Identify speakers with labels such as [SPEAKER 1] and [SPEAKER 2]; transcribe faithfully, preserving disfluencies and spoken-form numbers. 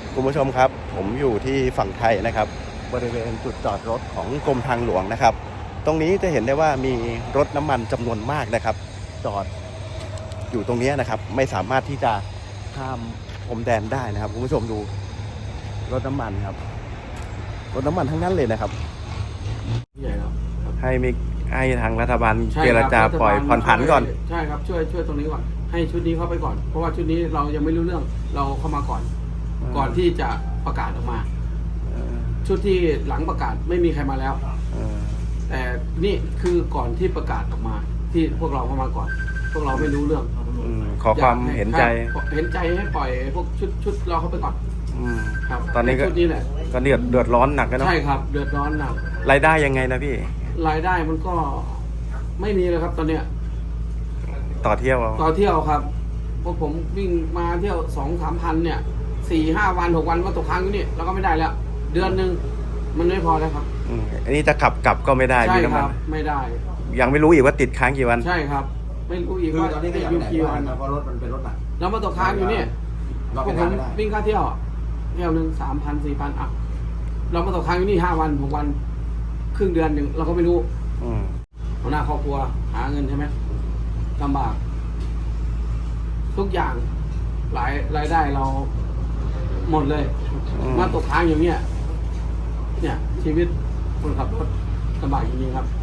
[SPEAKER 1] คุณผู้ชมครับผมอยู่ที่ฝั่งไทยนะครับบริเวณจุดจอดรถของกรมทางหลวงนะครับตรงนี้จะเห็นได้ว่ามีรถน้ำมันจำนวนมากนะครับจอดอยู่ตรงนี้นะครับไม่สามารถที่จะข้ามพรมแดนได้นะครับคุณผู้ชมดูรถน้ำมันครับรถน้ำมันทั้งนั้นเลยนะครับ
[SPEAKER 2] ใหญ่ครับ
[SPEAKER 1] ให้มีให้ทางรัฐบาล
[SPEAKER 2] ใช่
[SPEAKER 1] เจ
[SPEAKER 2] ค
[SPEAKER 1] ร
[SPEAKER 2] บ
[SPEAKER 1] จาปล่อย
[SPEAKER 2] ฐบล
[SPEAKER 1] ผ่อนผันก่อน
[SPEAKER 2] ใช่ครับช่วยช่วยตรงนี้ก่อนให้ชุดนี้เข้าไปก่อนเพราะว่าชุดนี้เรายังไม่รู้เรื่องเราเข้ามาก่อน
[SPEAKER 1] อืม
[SPEAKER 2] ก่อนที่จะประกาศออกมา
[SPEAKER 1] เออ
[SPEAKER 2] ชุดที่หลังประกาศไม่มีใครมาแล้ว
[SPEAKER 1] เออ
[SPEAKER 2] แต่นี่คือก่อนที่ประกาศออกมา ที่พวกเราเข้ามาก่อน พวกเราไม่รู้เรื่อง
[SPEAKER 1] อืมขอความเห็นใจ
[SPEAKER 2] ครับเห็นใจให้ปล่อยพวกชุดชุดเราเข้าไปก่อน
[SPEAKER 1] อืม
[SPEAKER 2] ครับ
[SPEAKER 1] ตอนนี้ก็
[SPEAKER 2] ชุดนี้แหละ
[SPEAKER 1] ก็เดือดเดือดร้อนหนักกันเนาะ
[SPEAKER 2] ใช่ครับเดือดร้อนหนัก
[SPEAKER 1] รายได้ยังไงนะพี่
[SPEAKER 2] รายได้มันก็ไม่มีเลยครับตอนเนี้ย
[SPEAKER 1] ต่อเที่ยวเอา
[SPEAKER 2] ต่อเที่ยวครับพวกผมวิ่งมาเที่ยวสองสามพันเนี่ยสี่ห้าวันหกวันมาตกค้างอยู่นี่เราก็ไม่ได้แล้ว เดือนหนึ่งมันไม่พอแล้วครับ
[SPEAKER 1] อืมอันนี้จะขับกลับก็ไม่ได้
[SPEAKER 2] ใช่
[SPEAKER 1] พี่น้ำ
[SPEAKER 2] ค
[SPEAKER 1] มั
[SPEAKER 2] รั
[SPEAKER 1] น
[SPEAKER 2] บไม่ได้
[SPEAKER 1] ยังไม่รู้อีกว่าติดค้างกี่วัน
[SPEAKER 2] ใช่ครับ ไม่รู้อีก
[SPEAKER 3] คือ
[SPEAKER 2] ว่า
[SPEAKER 3] ตอนนี้ก็
[SPEAKER 2] ติด
[SPEAKER 3] ยัง
[SPEAKER 2] อยู่
[SPEAKER 3] ไม่
[SPEAKER 2] กี่
[SPEAKER 3] ได้
[SPEAKER 2] วัน
[SPEAKER 3] นะเพราะรถมันเป็นรถหนัก
[SPEAKER 2] แล้วมาตกค้างอยู่นี่
[SPEAKER 3] เรา
[SPEAKER 2] พว
[SPEAKER 3] ไม่
[SPEAKER 2] กผ
[SPEAKER 3] ได้
[SPEAKER 2] ม
[SPEAKER 3] ไม่ได้
[SPEAKER 2] วิ่งค่าเที่ยวเที่ยวหนึ่งสามพันสี่พันอ่ะเรามาตกค้างอยู่นี่ห้าวันหกวันครึ่งเดือนหนึ่งเราก็ไม่รู้
[SPEAKER 1] อืม
[SPEAKER 2] หัวหน้าครอบครัวหาเงินใช่ไหมลำบาก ทุกอย่างหลายรายได้เราหมดเลย
[SPEAKER 1] อืม
[SPEAKER 2] มาตกค้างอย่างเนี้ยเนี่ย ชีวิตคนขับรถลำบากจริงๆครับ